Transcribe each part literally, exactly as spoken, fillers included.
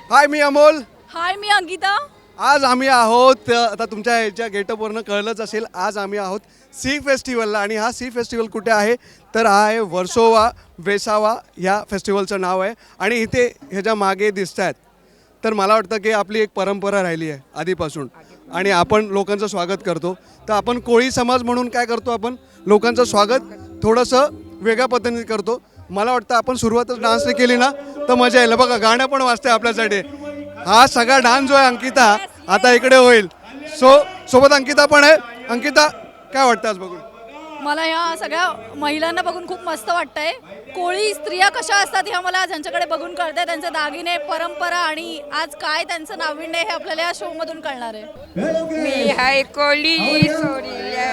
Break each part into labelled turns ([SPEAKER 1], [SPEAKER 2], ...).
[SPEAKER 1] हाय मी अमोल.
[SPEAKER 2] हाय मी अंकिता.
[SPEAKER 1] आज आम्ही आहोत आता तुमच्या ह्याच्या गेटअपवरनं कळलंच असेल, आज आम्ही आहोत सी फेस्टिवलला. आणि हा सी फेस्टिवल कुठे आहे तर हा आहे वर्सोवा वेसावा ह्या फेस्टिवलचं नाव आहे. आणि इथे ह्याच्या मागे दिसत आहेत तर मला वाटतं की आपली एक परंपरा राहिली आहे आधीपासून आणि आपण लोकांचं स्वागत करतो. तर आपण कोळी समाज म्हणून काय करतो, आपण लोकांचं स्वागत थोडंसं वेगळ्या पद्धतीने करतो. मला वाटतं आपण सुरुवातच डान्सने केली ना तर मजा येईल. बघा गाणं पण वाजतंय आपल्यासाठी. हा सगळा डान्स जो आहे अंकिता आता इकडे होईल. सो सोबत अंकिता पण आहे. अंकिता काय वाटतं आज बघून?
[SPEAKER 2] मला ह्या सगळ्या महिलांना बघून खूप मस्त वाटतंय. कोळी स्त्रिया कशा असतात ह्या मला ज्यांच्याकडे बघून कळतंय. त्यांचे दागिने, परंपरा आणि आज काय त्यांचं नाविन्य हे आपल्याला या शो मधून कळणार आहे.
[SPEAKER 3] मी हाय कोळी सोडल्या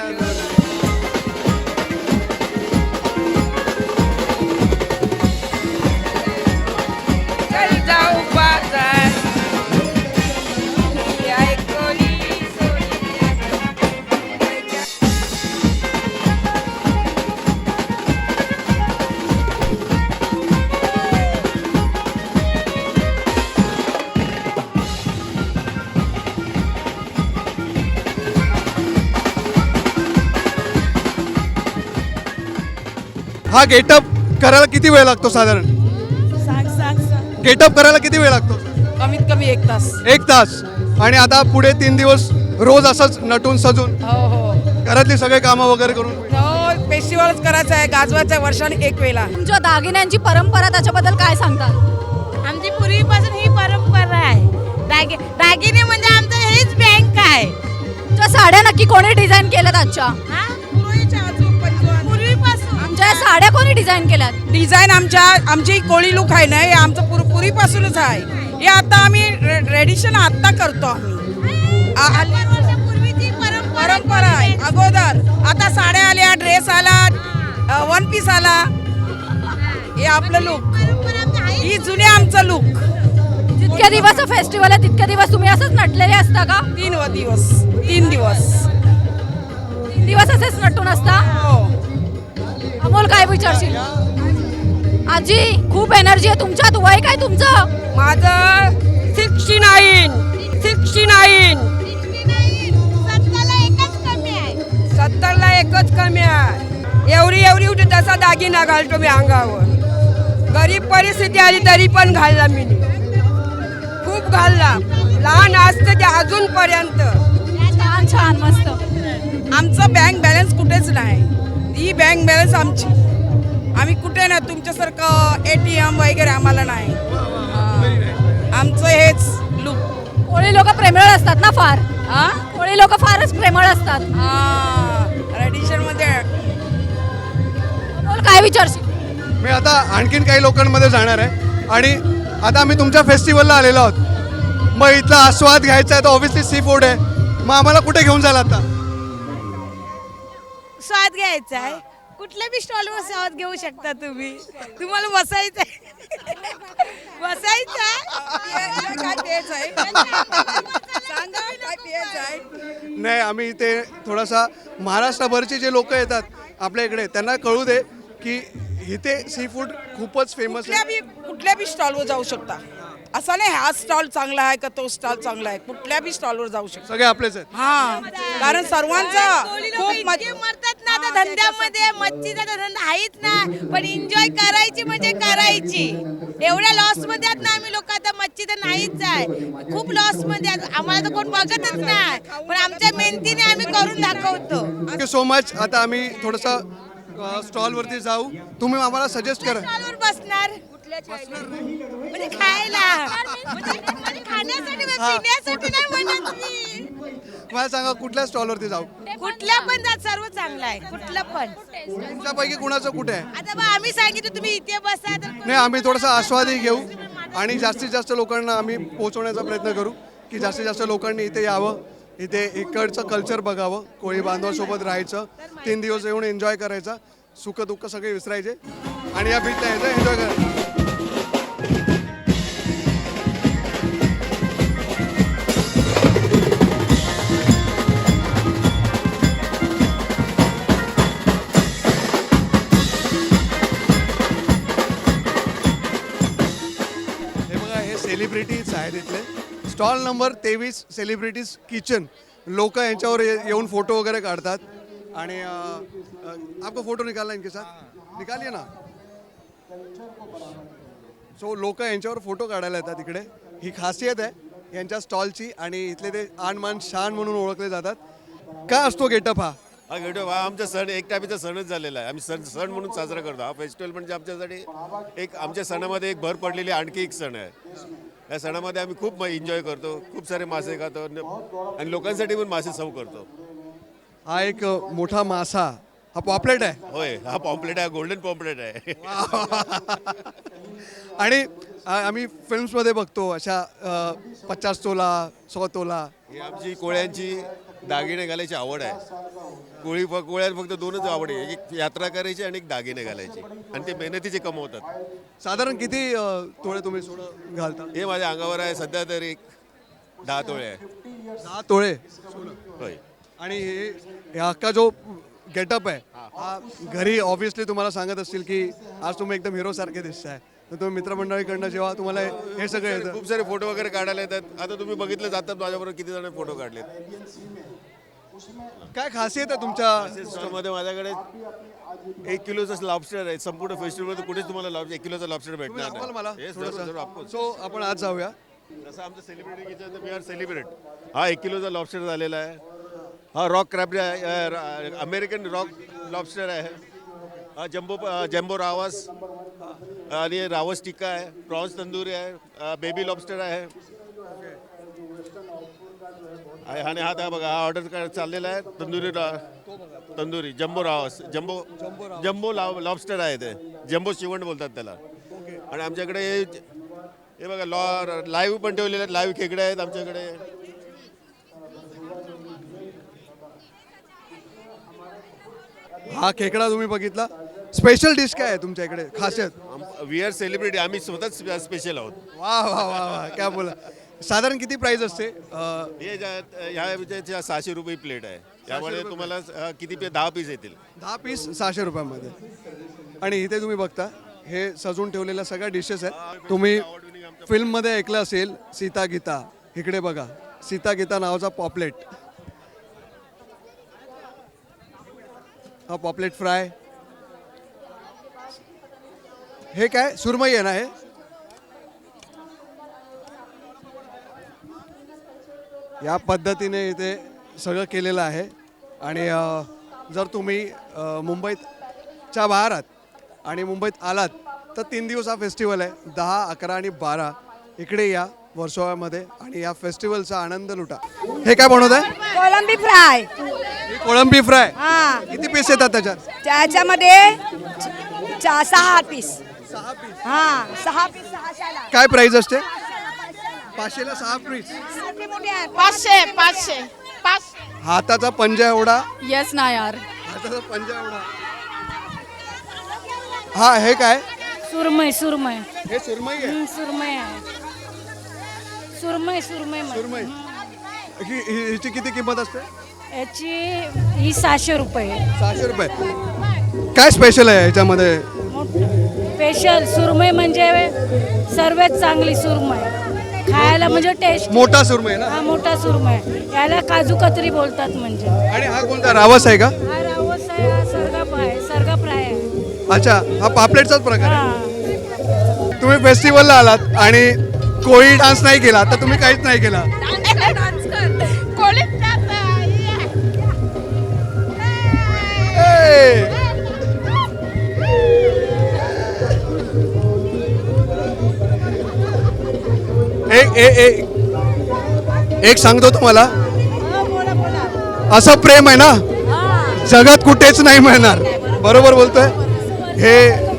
[SPEAKER 3] चल जाऊ बाजार. मी हाय कोळी सोडल्या.
[SPEAKER 1] हा गेटअप करायला किती वेळ लागतो साधारण?
[SPEAKER 4] सांग सांग सांग
[SPEAKER 1] गेटअप करायला किती वेळ लागतो?
[SPEAKER 4] कमीत कमी एक तास.
[SPEAKER 1] एक तास. आणि आता पुढे तीन दिवस रोज असंच नटून सजून
[SPEAKER 4] हो हो
[SPEAKER 1] घरातली सगळे कामं वगैरे करून
[SPEAKER 4] हो फेस्टिवलच करायचं आहे. गाजवायचं आहे वर्षाने एक वेळा.
[SPEAKER 2] तुमच्या दागिन्यांची परंपरा त्याच्याबद्दल काय सांगतात?
[SPEAKER 5] आमची पूर्वीपासून ही परंपरा आहे. दागि दागिने म्हणजे आमचं हेच बँक आहे.
[SPEAKER 2] तुमच्या साड्या नक्की कोणी डिझाईन केल्यात आजच्या?
[SPEAKER 5] हा? पूर्वीपासून
[SPEAKER 2] आमच्या या साड्या कोणी डिझाईन केल्यात?
[SPEAKER 4] डिझाईन आमच्या आमची कोळी लुक आहे ना, हे आमचं पूर पूर्वीपासूनच आहे. हे आता आम्ही रेडिशन आता करतो आम्ही. आ- आ-
[SPEAKER 5] वर्षापूर्वीची परंपरा
[SPEAKER 4] परंपरा आहे अगोदर. आता साड्या आल्या, ड्रेस आला, वन पीस आला. हे आपलं लुक.
[SPEAKER 5] परंपरा आमची आहे.
[SPEAKER 4] ही जुने आमचं लुक.
[SPEAKER 2] जितके दिवस फेस्टिवल आहे तितके दिवस तुम्ही असंच नटलेले असता का?
[SPEAKER 4] तीन व दिवस तीन दिवस
[SPEAKER 2] तीन दिवस असेच नटून असता?
[SPEAKER 4] हो.
[SPEAKER 2] अमोल काय विचारशील? आजी खूप एनर्जी आहे तुमच्यात. वय काय तुमचं?
[SPEAKER 4] माझं सिक्स्टी नाईन सिक्स्टी नाईन
[SPEAKER 5] सत्ताला एकच कमी आहे.
[SPEAKER 4] सत्तरला एकच कमी आहे. एवढी एवढी होती तसा दागिना घालतो मी अंगावर. गरीब परिस्थिती आली तरी पण घालला मी. खूप घालला. लहान असतं ते अजूनपर्यंत.
[SPEAKER 2] छान छान मस्त.
[SPEAKER 4] आमचं बँक बॅलन्स कुठेच नाही. ही बँक बॅलन्स आमची. आम्ही कुठे ना तुमच्यासारखं ए टी एम वगैरे आम्हाला नाही. हा. आमचं हेच लुक.
[SPEAKER 2] कोळी लोक प्रेमळ असतात ना फार.
[SPEAKER 4] हा
[SPEAKER 2] कोळी लोक फारच प्रेमळ असतात.
[SPEAKER 4] रेडिशन मध्ये.
[SPEAKER 2] अमोल काय विचारशील?
[SPEAKER 1] मी आता आणखीन काही लोकांमध्ये जाणार आहे. आणि आता आम्ही तुमच्या फेस्टिवलला आलेलो आहोत. मग इथला आस्वाद घ्यायचा आहे तर ऑब्व्हियसली सी फूड आहे. मग आम्हाला कुठे घेऊन जायला आता?
[SPEAKER 5] स्वाद घ्यायचा आहे. कुठल्या बी स्टॉलवर स्वाद घेऊ शकता तुम्ही. तुम्हाला बसायचं आहे. बसायचं आहे.
[SPEAKER 4] काय प्यायचं आहे? सांगा काय प्यायचं आहे?
[SPEAKER 1] नाही, आम्ही इथे थोडासा महाराष्ट्रभरचे जे लोक येतात आपल्या इकडे त्यांना कळू दे की इथे सी फूड खूपच फेमस
[SPEAKER 4] कुठल्या
[SPEAKER 1] आहे.
[SPEAKER 4] बी कुठल्या बी स्टॉलवर जाऊ शकता. असं नाही हा स्टॉल चांगला आहे का तो स्टॉल चांगला आहे. कुठल्या बी स्टॉलवर जाऊ शकता.
[SPEAKER 1] सगळे आपलेच आहेत.
[SPEAKER 4] हा कारण सर्वांचा खूप
[SPEAKER 5] इतके
[SPEAKER 4] मज-
[SPEAKER 5] मरतात ना त्या धंद्यामध्ये. मच्छीचा तर धंदा आहेच ना, पण एन्जॉय करायची म्हणजे करायची. एवढ्या लॉस मध्ये आहेत ना आम्ही लोक. आता मच्छी तर नाहीच आहे. खूप लॉस मध्ये आहेत. आम्हाला तर कोण बघतच नाही, पण आमच्या मेहनतीने आम्ही करून दाखवतो.
[SPEAKER 1] Thank you so much. आता आम्ही थोडंसं स्टॉलवरती जाऊ. तुम्ही आम्हाला सजेस्ट करा.
[SPEAKER 5] स्टॉलवर बसणार म्हणजे खायला, म्हणजे म्हणजे खाण्यासाठी,
[SPEAKER 1] हा.
[SPEAKER 5] पिण्यासाठी नाही म्हणत मी.
[SPEAKER 1] मला सांगा कुठल्या स्टॉलवरती जाऊ?
[SPEAKER 5] कुठल्या पण जात सर्व चांगलं आहे. कुठलं पण.
[SPEAKER 1] तुमच्यापैकी कुणाचं कुठे आहे?
[SPEAKER 5] आता बा आम्ही सांगितलं तुम्ही इथे बसा तर
[SPEAKER 1] नाही, आम्ही थोडासा आस्वादही घेऊ आणि जास्तीत जास्त लोकांना आम्ही पोहोचवण्याचा प्रयत्न करू की जास्तीत जास्त लोकांनी इथे यावं, इथे इकडचं कल्चर बघावं, कोळी बांधवासोबत राहायचं, तीन दिवस येऊन एन्जॉय करायचा, सुख दुःख सगळे विसरायचे आणि या बीचला यायचं, एन्जॉय करायचं. सेलिब्रिटीज आहेत इथले. स्टॉल नंबर तेवीस सेलिब्रिटीज किचन. लोक यांच्यावर ये- येऊन फोटो वगैरे काढतात आणि अ, अ, आपको फोटो निकालना इनके साथ निकालिए ना. सो लोक यांच्यावर फोटो काढायला येतात इकडे. ही खासियत आहे यांच्या स्टॉलची आणि इथले ते आन मान शान म्हणून ओळखले जातात. काय असतो गेटअप हा?
[SPEAKER 6] हा गेटअप हा आमचा सण एक टाईपचा सणच झालेला आहे. आम्ही सण सण म्हणून साजरा करतो. हा फेस्टिवल म्हणजे आमच्यासाठी एक आमच्या सणामध्ये एक भर पडलेली आणखी एक सण आहे. या सणामध्ये आम्ही खूप एन्जॉय करतो, खूप सारे मासे खातो न- आणि लोकांसाठी पण मासे सर्व करतो.
[SPEAKER 1] हा एक अ, मोठा मासा. हा पॉपलेट आहे
[SPEAKER 6] होय, हा पॉम्पलेट आहे, गोल्डन पॉम्पलेट आहे.
[SPEAKER 1] आणि आ- आम्ही फिल्म्समध्ये बघतो अशा अ, पचास तोला सौ तोला.
[SPEAKER 6] ही आमची कोळ्यांची दागिने घालायची आवड आहे. कोळी फ कोळ्याला फक्त दोनच आवड आहे, एक यात्रा करायची आणि एक दागिने घालायची आणि ते मेहनतीचे कमवतात.
[SPEAKER 1] साधारण किती अ, तोळे तुम्ही सोनं घालता?
[SPEAKER 6] हे माझ्या अंगावर आहे सध्या तरी एक दहा तोळे आहे.
[SPEAKER 1] दहा तोळे.
[SPEAKER 6] होय.
[SPEAKER 1] आणि हे हे अख्खा जो गेटअप आहे हा घरी ऑब्व्हियसली तुम्हाला सांगत असतील की आज तुम्ही एकदम हिरो सारखे दिसताय. तर तुम्ही मित्रमंडळीकडनं जेव्हा तुम्हाला हे- हे सगळं येतं.
[SPEAKER 6] खूप सारे फोटो वगैरे काढायला येतात. आता तुम्ही बघितलं जातात माझ्याबरोबर किती जण फोटो काढलेत.
[SPEAKER 1] काय खासियत आहे तुमच्या?
[SPEAKER 6] स्टॉलमध्ये माझ्याकडे एक किलोचं लॉबस्टर आहे. संपूर्ण फेस्टिवलमध्ये कुठेच तुम्हाला लॉब एक किलोचा लॉबस्टर भेटणार
[SPEAKER 1] दाखवाल मला
[SPEAKER 6] नाही. Yes,
[SPEAKER 1] थोडंसं?
[SPEAKER 6] जरूर, जरूर, of course.
[SPEAKER 1] सो आपण आज जाऊया.
[SPEAKER 6] जसं आमचं सेलिब्रिटी किचन तर वी आर सेलिब्रेट. हा एक किलोचा लॉबस्टर झालेला आहे. हा rock crab American rock lobster आहे. हा जम्बो जम्बो रावस आणि रावस टिक्का आहे. प्रॉन्स तंदुरी आहे. बेबी लॉबस्टर आहे. आहे आणि हा त्या बघा हा ऑर्डर चाललेला आहे तंदुरी रा- तंदुरी जम्बो रावस जम्बो जम्बो लाव लॉबस्टर आहे ते. जम्बो शिवंट बोलतात त्याला. आणि आमच्याकडे हे- हे बघा लॉ लाईव्ह पण ठेवलेले आहेत. लाईव्ह खेकडे आहेत आमच्याकडे.
[SPEAKER 1] हा खेकडा तुम्ही बघितला. स्पेशल डिश काय आहे तुमच्या इकडे खासियत?
[SPEAKER 6] We are celebrity. आम्ही स्वतःच स्पेशल आहोत.
[SPEAKER 1] वा वा वा वा क्या बोला. साधारण किती प्राइस असते? अ,
[SPEAKER 6] हे ज्या ह्या ह्याच्या सहाशे रुपये प्लेट आहे. त्यामुळे तुम्हाला अ, किती पे दहा पीस येतील.
[SPEAKER 1] दहा पीस सहाशे रुपयामध्ये. आणि इथे तुम्ही बघता हे सजून ठेवलेल्या सगळ्या डिशेस आहेत. तुम्ही फिल्ममध्ये ऐकलं असेल सीता गीता. इकडे बघा सीता गीता नावाचा पॉपलेट. हा पॉपलेट फ्राय. हे काय सुरमई आहे ना हे? या पद्धतीने इथे सगळं केलेलं आहे. आणि अ, जर तुम्ही अ, मुंबईतच्या बाहेर आहात आणि मुंबईत आलात तर तीन दिवस हा फेस्टिवल आहे. दहा अकरा आणि बारा इकडे या वर्सोवामध्ये आणि या फेस्टिवलचा आनंद लुटा. हे काय बनवत आहे?
[SPEAKER 4] कोलंबी फ्राय.
[SPEAKER 1] कोळंबी फ्राय.
[SPEAKER 4] हा
[SPEAKER 1] किती पीस येतात त्याच्यात?
[SPEAKER 4] त्याच्यामध्ये चा- सहा पीस.
[SPEAKER 1] सहा पीस.
[SPEAKER 4] हा सहा पीस सहाशाला.
[SPEAKER 1] काय प्राइस असते? पाचशेला सहा पीस.
[SPEAKER 5] पाचशे पाचशे पाच.
[SPEAKER 1] हाताचा पंजा एवढा.
[SPEAKER 2] येस ना यार.
[SPEAKER 1] हाताचा पंजा एवढा. हा हे काय?
[SPEAKER 7] सुरमई सुरमई
[SPEAKER 1] हे सुरमई आहे.
[SPEAKER 7] हं, सुरमई आहे सुरमई सुरमई म्हण-
[SPEAKER 1] सुरमई. ही- ही- हिची किती किंमत असते?
[SPEAKER 7] याची ही सहाशे रुपये
[SPEAKER 1] सहाशे रुपये. काय स्पेशल आहे याच्यामध्ये?
[SPEAKER 7] स्पेशल सुरमई म्हणजे सर्वात चांगली सुरमई खायला म्हणजे टेस्ट.
[SPEAKER 1] मोठा सुरमई ना?
[SPEAKER 7] हा मोठा सुरमई याला काजू कतरी बोलतात म्हणजे.
[SPEAKER 1] आणि हा कोणता रावस आहे का?
[SPEAKER 7] हा रावस आहे हा सरगा आहे सरगा फ्राय आहे.
[SPEAKER 1] अच्छा हा पापलेटचाच प्रकार आहे.
[SPEAKER 7] हा
[SPEAKER 1] तुम्ही फेस्टिवलला आलात आणि कोळी डान्स नाही केला तर तुम्ही काहीच नाही केला. ए! एक एक एक एक सांगतो तुम्हाला असं प्रेम आहे ना जगात कुठेच नाही मिळणार. बरोबर बोलतोय. हे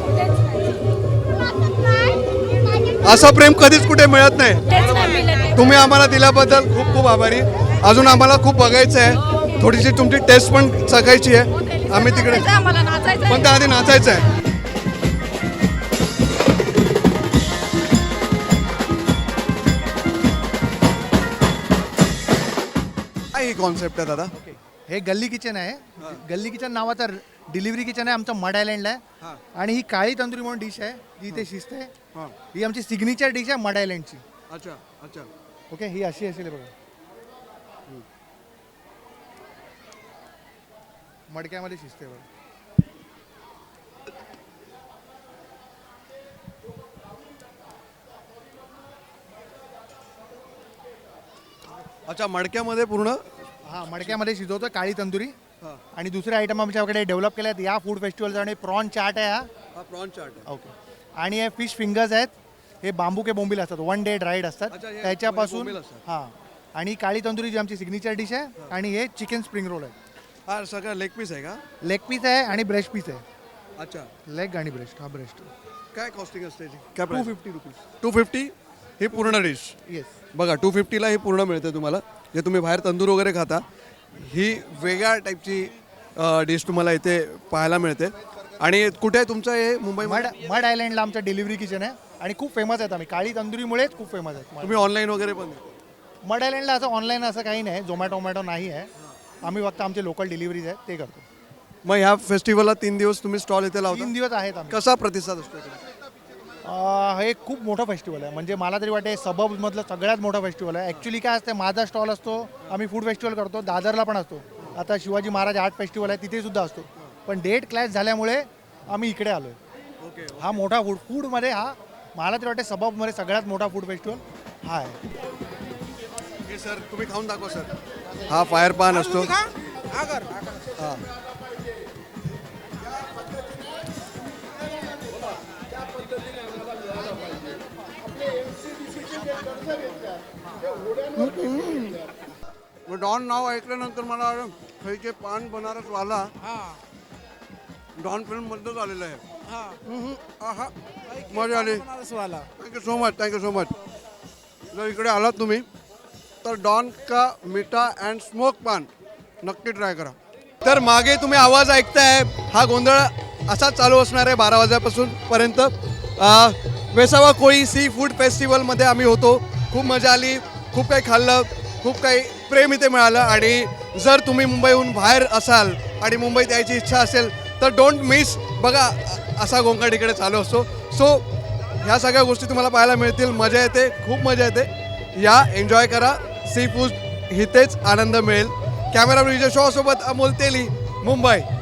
[SPEAKER 1] असं प्रेम कधीच कुठे मिळत नाही.
[SPEAKER 7] तेच नाही मिळत.
[SPEAKER 1] तुम्ही आम्हाला दिल्याबद्दल खूप खूप आभारी. अजून आम्हाला खूप बघायचं आहे. थोडीशी तुमची टेस्ट पण चखायची आहे. आम्ही तिकडे
[SPEAKER 2] आम्हाला नाचायचं
[SPEAKER 1] पण त्याआधी नाचायचं आहे. काय ही कॉन्सेप्ट आहे दादा?
[SPEAKER 8] हे गल्ली किचन आहे. गल्ली किचन नावाचा डिलिव्हरी किचन आहे आमचं मड आयलँडला आहे. आणि ही काळी तंदुरी म्हणून डिश आहे जी इथे शिजते. ही आमची सिग्नेचर डिश आहे मड आयलँडची.
[SPEAKER 1] अच्छा अच्छा
[SPEAKER 8] ओके ही अशी असेल हे बघा मडक्यामध्ये शिजते बघा
[SPEAKER 1] अच्छा मडक्यामध्ये पूर्ण
[SPEAKER 8] हा मडक्यामध्ये शिजवतो काळी तंदुरी
[SPEAKER 1] हा.
[SPEAKER 8] आणि दुसरे आयटम आमच्याकडे डेव्हलप केले आहेत या फूड फेस्टिवलचा आणि प्रॉन चाट आहे हा
[SPEAKER 1] हा प्रॉन चाट
[SPEAKER 8] ओके आणि हे फिश फिंगर्स आहेत हे बांबू के बोंबील असतात वन डे ड्राईड असतात
[SPEAKER 1] अच्छा, हे
[SPEAKER 8] त्याच्यापासून
[SPEAKER 1] बोंबील असतात.
[SPEAKER 8] हां आणि काळी तंदुरी जी आमची सिग्नेचर डिश आहे आणि हे चिकन स्प्रिंग रोल आहे
[SPEAKER 1] हा सगळं लेग पीस आहे का
[SPEAKER 8] लेग पीस आहे आणि ब्रेस्ट पीस आहे
[SPEAKER 1] अच्छा
[SPEAKER 8] लेग आणि ब्रेस्ट हा ब्रेस्ट
[SPEAKER 1] काय कॉस्टिंग असते याची? काय
[SPEAKER 8] two fifty rupees
[SPEAKER 1] two fifty ही पूर्ण डिश
[SPEAKER 8] येस
[SPEAKER 1] बघा टू फिफ्टीला ही पूर्ण मिळते तुम्हाला जे तुम्ही बाहेर तंदूर वगैरे खाता ही वेगळ्या टाईपची डिश तुम्हाला इथे पाहायला मिळते आणि कुठे आहे तुमचं हे मुंबई
[SPEAKER 8] मड मड आयलँडला आमचं डिलिव्हरी किचन आहे आणि खूप फेमस आहेत आम्ही काळी तंदुरीमुळेच खूप फेमस आहेत
[SPEAKER 1] तुम्ही ऑनलाईन वगैरे पण देता?
[SPEAKER 8] मड आयलँडला असं ऑनलाईन असं काही नाही झोमॅटो वोमॅटो नाही आहे आम्ही फक्त आमचे लोकल डिलिव्हरीज आहेत ते करतो
[SPEAKER 1] मग ह्या फेस्टिवलला तीन दिवस तुम्ही स्टॉल इथे लावता
[SPEAKER 8] तीन दिवस आहेत आम्ही
[SPEAKER 1] कसा प्रतिसाद असतो इकडे?
[SPEAKER 8] अं, हे खूप मोठं फेस्टिवल आहे म्हणजे मला तरी वाटते सबबमधलं सगळ्यात मोठं फेस्टिवल आहे ॲक्च्युली काय असते माझा स्टॉल असतो आम्ही फूड फेस्टिवल करतो दादरला पण असतो आता शिवाजी महाराज आर्ट फेस्टिवल आहे तिथे सुद्धा असतो पण डेट क्लॅश झाल्यामुळे आम्ही इकडे आलो आहे
[SPEAKER 1] ओके
[SPEAKER 8] हा मोठा फूड फूडमध्ये हा मला तरी वाटते सबबमध्ये सगळ्यात मोठा फूड फेस्टिवल हा आहे
[SPEAKER 1] ओके सर तुम्ही खाऊन दाखवा सर हा फायर पान असतो हा मग डॉन नाव ऐकल्यानंतर मला खायचे पान बनारस वाला डॉन फिल्म मधलंच आलेलं आहे हम्म, आहा मजा आली thank you so much thank you so much जर इकडे आलात तुम्ही तर डॉन का मिठा अँड स्मोक पान नक्की ट्राय करा तर मागे तुम्ही आवाज ऐकताय हा गोंधळ असाच चालू असणार आहे बारा वाजल्यापासून पर्यंत अ, वेसावा कोळी सी फूड फेस्टिवलमध्ये आम्ही होतो खूप मजा आली खूप काही खाल्लं खूप काही प्रेम इथे मिळालं आणि जर तुम्ही मुंबईहून बाहेर असाल आणि मुंबईत यायची इच्छा असेल तर डोंट मिस बघा अ- असा गोंगाट इकडे चालू असतो सो ह्या सगळ्या गोष्टी तुम्हाला पाहायला मिळतील मजा येते खूप मजा येते या एन्जॉय करा सी फूड इथेच आनंद मिळेल कॅमेरा ब्रिज शो सोबत अमोल तेली मुंबई